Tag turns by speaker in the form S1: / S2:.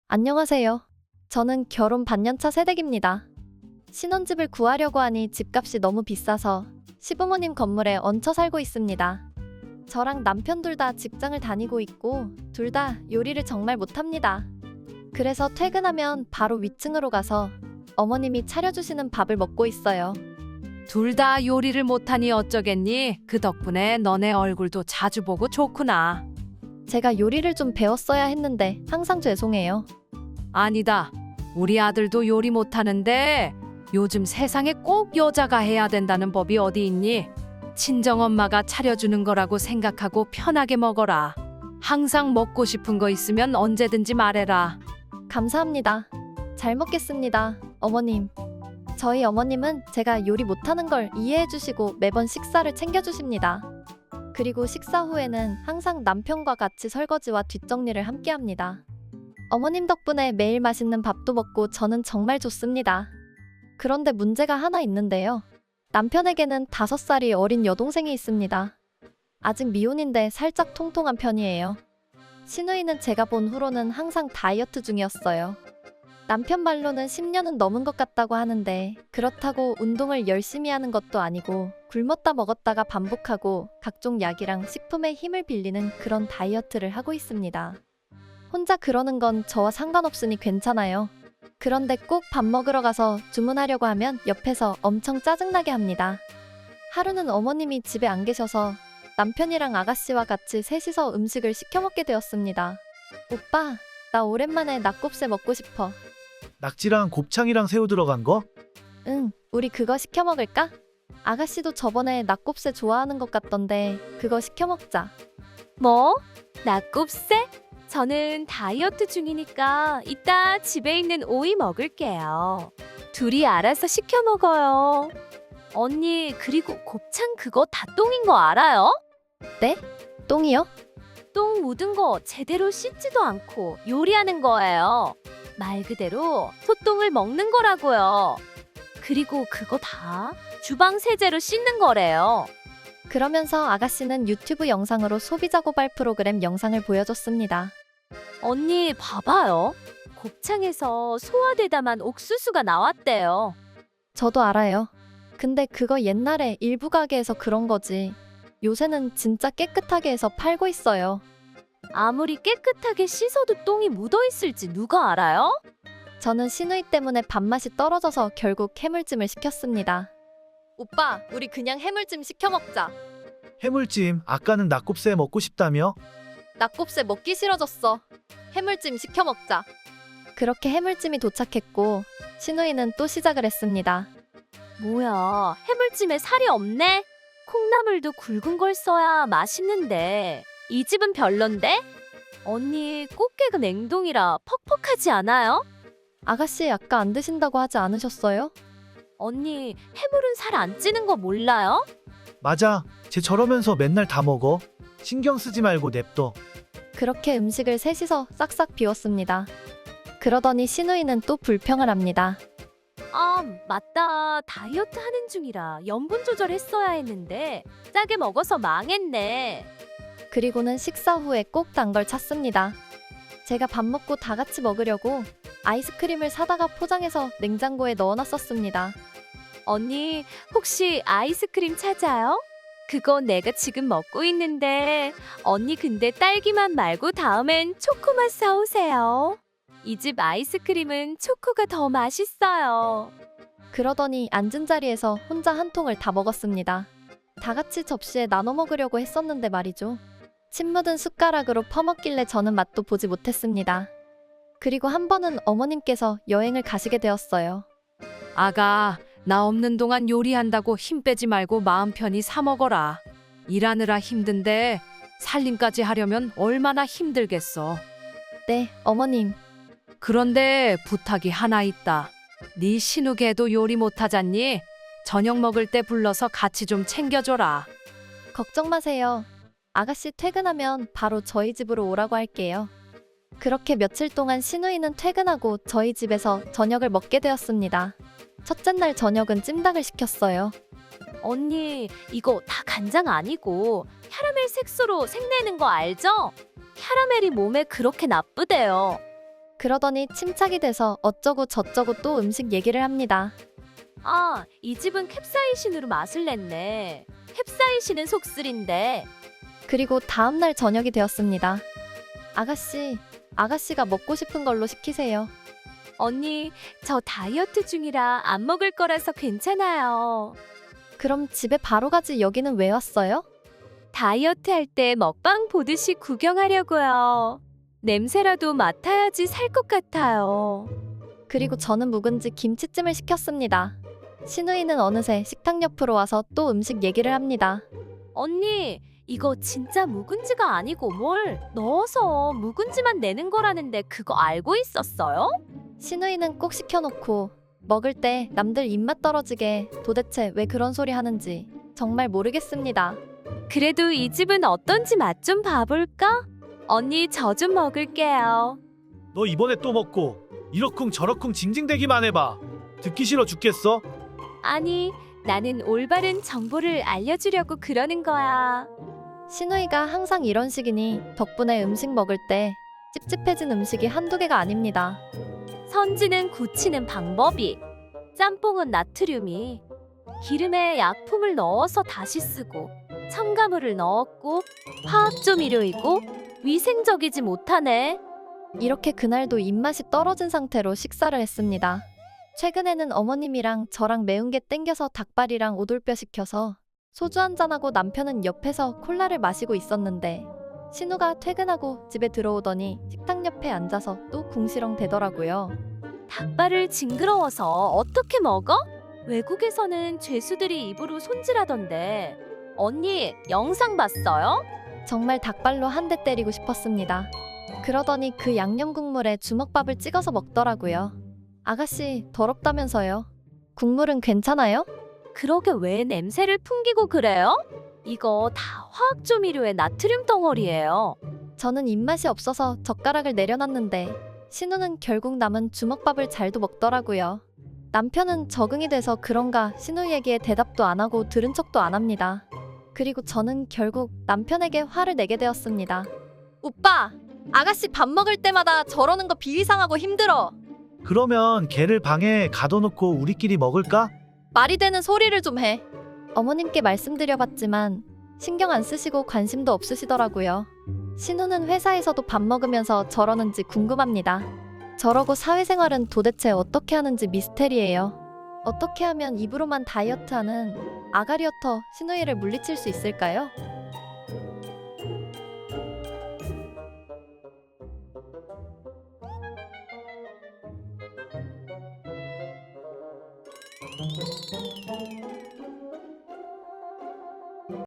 S1: 안녕하세요. 저는 결혼 반년차 새댁입니다. 신혼집을 구하려고 하니 집값이 너무 비싸서 시부모님 건물에 얹혀 살고 있습니다. 저랑 남편 둘 다 직장을 다니고 있고 둘 다 요리를 정말 못합니다. 그래서 퇴근하면 바로 위층으로 가서 어머님이 차려주시는 밥을 먹고 있어요.
S2: 둘 다 요리를 못하니 어쩌겠니? 그 덕분에 너네 얼굴도 자주 보고 좋구나.
S1: 제가 요리를 좀 배웠어야 했는데 항상 죄송해요.
S2: 아니다. 우리 아들도 요리 못하는데 요즘 세상에 꼭 여자가 해야 된다는 법이 어디 있니? 친정엄마가 차려주는 거라고 생각하고 편하게 먹어라. 항상 먹고 싶은 거 있으면 언제든지 말해라.
S1: 감사합니다. 잘 먹겠습니다, 어머님. 저희 어머님은 제가 요리 못하는 걸 이해해 주시고 매번 식사를 챙겨주십니다. 그리고 식사 후에는 항상 남편과 같이 설거지와 뒷정리를 함께 합니다. 어머님 덕분에 매일 맛있는 밥도 먹고 저는 정말 좋습니다. 그런데 문제가 하나 있는데요. 남편에게는 5살이 어린 여동생이 있습니다. 아직 미혼인데 살짝 통통한 편이에요. 시누이는 제가 본 후로는 항상 다이어트 중이었어요. 남편 말로는 10년은 넘은 것 같다고 하는데 그렇다고 운동을 열심히 하는 것도 아니고 굶었다 먹었다가 반복하고 각종 약이랑 식품의 힘을 빌리는 그런 다이어트를 하고 있습니다. 혼자 그러는 건 저와 상관없으니 괜찮아요. 그런데 꼭 밥 먹으러 가서 주문하려고 하면 옆에서 엄청 짜증나게 합니다. 하루는 어머님이 집에 안 계셔서 남편이랑 아가씨와 같이 셋이서 음식을 시켜 먹게 되었습니다. 오빠, 나 오랜만에 낙곱새 먹고 싶어.
S3: 낙지랑 곱창이랑 새우 들어간 거?
S1: 응, 우리 그거 시켜 먹을까? 아가씨도 저번에 낙곱새 좋아하는 것 같던데 그거 시켜 먹자.
S4: 뭐? 낙곱새? 저는 다이어트 중이니까 이따 집에 있는 오이 먹을게요. 둘이 알아서 시켜 먹어요. 언니, 그리고 곱창 그거 다 똥인 거 알아요?
S1: 똥이요?
S4: 똥 묻은 거 제대로 씻지도 않고 요리하는 거예요. 말 그대로 소똥을 먹는 거라고요. 그리고 그거 다 주방 세제로 씻는 거래요.
S1: 그러면서 아가씨는 유튜브 영상으로 소비자 고발 프로그램 영상을 보여줬습니다.
S4: 언니 봐봐요. 곱창에서 소화되다만 옥수수가 나왔대요.
S1: 저도 알아요. 근데 그거 옛날에 일부 가게에서 그런 거지. 요새는 진짜 깨끗하게 해서 팔고 있어요.
S4: 아무리 깨끗하게 씻어도 똥이 묻어있을지 누가 알아요?
S1: 저는 시누이 때문에 밥맛이 떨어져서 결국 해물찜을 시켰습니다. 오빠, 우리 그냥 해물찜 시켜 먹자.
S3: 해물찜, 아까는 낙곱새 먹고 싶다며?
S1: 낙곱새 먹기 싫어졌어. 해물찜 시켜 먹자. 그렇게 해물찜이 도착했고 시누이는 또 시작을 했습니다.
S4: 뭐야, 해물찜에 살이 없네? 콩나물도 굵은 걸 써야 맛있는데 이 집은 별론데? 언니, 꽃게가 냉동이라 퍽퍽하지 않아요?
S1: 아가씨 아까 안 드신다고 하지 않으셨어요?
S4: 언니, 해물은 살 안 찌는 거 몰라요?
S3: 맞아. 쟤 저러면서 맨날 다 먹어. 신경 쓰지 말고 냅둬.
S1: 그렇게 음식을 셋이서 싹싹 비웠습니다. 그러더니 시누이는 또 불평을 합니다.
S4: 아, 맞다. 다이어트 하는 중이라 염분 조절했어야 했는데 짜게 먹어서 망했네.
S1: 그리고는 식사 후에 꼭 단 걸 찾습니다. 제가 밥 먹고 다 같이 먹으려고 아이스크림을 사다가 포장해서 냉장고에 넣어놨었습니다.
S4: 언니, 혹시 아이스크림 찾아요? 그거 내가 지금 먹고 있는데 언니 근데 딸기맛 말고 다음엔 초코맛 사오세요. 이 집 아이스크림은 초코가 더 맛있어요.
S1: 그러더니 앉은 자리에서 혼자 한 통을 다 먹었습니다. 다 같이 접시에 나눠 먹으려고 했었는데 말이죠. 침 묻은 숟가락으로 퍼먹길래 저는 맛도 보지 못했습니다. 그리고 한 번은 어머님께서 여행을 가시게 되었어요.
S2: 아가, 나 없는 동안 요리한다고 힘 빼지 말고 마음 편히 사 먹어라. 일하느라 힘든데 살림까지 하려면 얼마나 힘들겠어.
S1: 네, 어머님.
S2: 그런데 부탁이 하나 있다. 네 신우개도 요리 못하잖니? 저녁 먹을 때 불러서 같이 좀 챙겨줘라.
S1: 걱정 마세요. 아가씨 퇴근하면 바로 저희 집으로 오라고 할게요. 그렇게 며칠 동안 시누이는 퇴근하고 저희 집에서 저녁을 먹게 되었습니다. 첫째 날 저녁은 찜닭을 시켰어요.
S4: 언니, 이거 다 간장 아니고 캐러멜 색소로 색내는 거 알죠? 캐러멜이 몸에 그렇게 나쁘대요.
S1: 그러더니 침착이 돼서 어쩌고 저쩌고 또 음식 얘기를 합니다.
S4: 아, 이 집은 캡사이신으로 맛을 냈네. 캡사이신은 속쓰린데.
S1: 그리고 다음날 저녁이 되었습니다. 아가씨가 먹고 싶은 걸로 시키세요.
S4: 언니, 저 다이어트 중이라 안 먹을 거라서 괜찮아요.
S1: 그럼 집에 바로 가지 여기는 왜 왔어요?
S4: 다이어트 할 때 먹방 보듯이 구경하려고요. 냄새라도 맡아야지 살 것 같아요.
S1: 그리고 저는 묵은지 김치찜을 시켰습니다. 신우이는 어느새 식탁 옆으로 와서 또 음식 얘기를 합니다.
S4: 언니, 이거 진짜 묵은지가 아니고 뭘 넣어서 묵은지만 내는 거라는데 그거 알고 있었어요?
S1: 신우이는 꼭 시켜놓고 먹을 때 남들 입맛 떨어지게 도대체 왜 그런 소리 하는지 정말 모르겠습니다.
S4: 그래도 이 집은 어떤지 맛 좀 봐볼까? 언니, 저 좀 먹을게요.
S3: 너 이번에 또 먹고 이러쿵 저러쿵 징징대기만 해봐. 듣기 싫어 죽겠어?
S4: 아니, 나는 올바른 정보를 알려주려고 그러는 거야.
S1: 신우이가 항상 이런 식이니 덕분에 음식 먹을 때 찝찝해진 음식이 한두 개가 아닙니다.
S4: 선지는 굳히는 방법이, 짬뽕은 나트륨이, 기름에 약품을 넣어서 다시 쓰고, 첨가물을 넣었고, 화학조미료이고, 위생적이지 못하네.
S1: 이렇게 그날도 입맛이 떨어진 상태로 식사를 했습니다. 최근에는 어머님이랑 저랑 매운 게 땡겨서 닭발이랑 오돌뼈 시켜서 소주 한잔하고 남편은 옆에서 콜라를 마시고 있었는데 신우가 퇴근하고 집에 들어오더니 식탁 옆에 앉아서 또 궁시렁 대더라고요.
S4: 닭발을 징그러워서 어떻게 먹어? 외국에서는 죄수들이 입으로 손질하던데. 언니, 영상 봤어요?
S1: 정말 닭발로 한 대 때리고 싶었습니다. 그러더니 그 양념 국물에 주먹밥을 찍어서 먹더라고요. 아가씨, 더럽다면서요. 국물은 괜찮아요?
S4: 그러게 왜 냄새를 풍기고 그래요? 이거 다 화학조미료의 나트륨 덩어리예요.
S1: 저는 입맛이 없어서 젓가락을 내려놨는데 신우는 결국 남은 주먹밥을 잘도 먹더라고요. 남편은 적응이 돼서 그런가 신우 얘기에 대답도 안 하고 들은 척도 안 합니다. 그리고 저는 결국 남편에게 화를 내게 되었습니다. 오빠! 아가씨 밥 먹을 때마다 저러는 거 비위상하고 힘들어.
S3: 그러면 걔를 방에 가둬놓고 우리끼리 먹을까?
S1: 말이 되는 소리를 좀 해. 어머님께 말씀드려봤지만 신경 안 쓰시고 관심도 없으시더라고요. 신우는 회사에서도 밥 먹으면서 저러는지 궁금합니다. 저러고 사회생활은 도대체 어떻게 하는지 미스테리예요. 어떻게 하면 입으로만 다이어트하는 아가리어터 신우이를 물리칠 수 있을까요?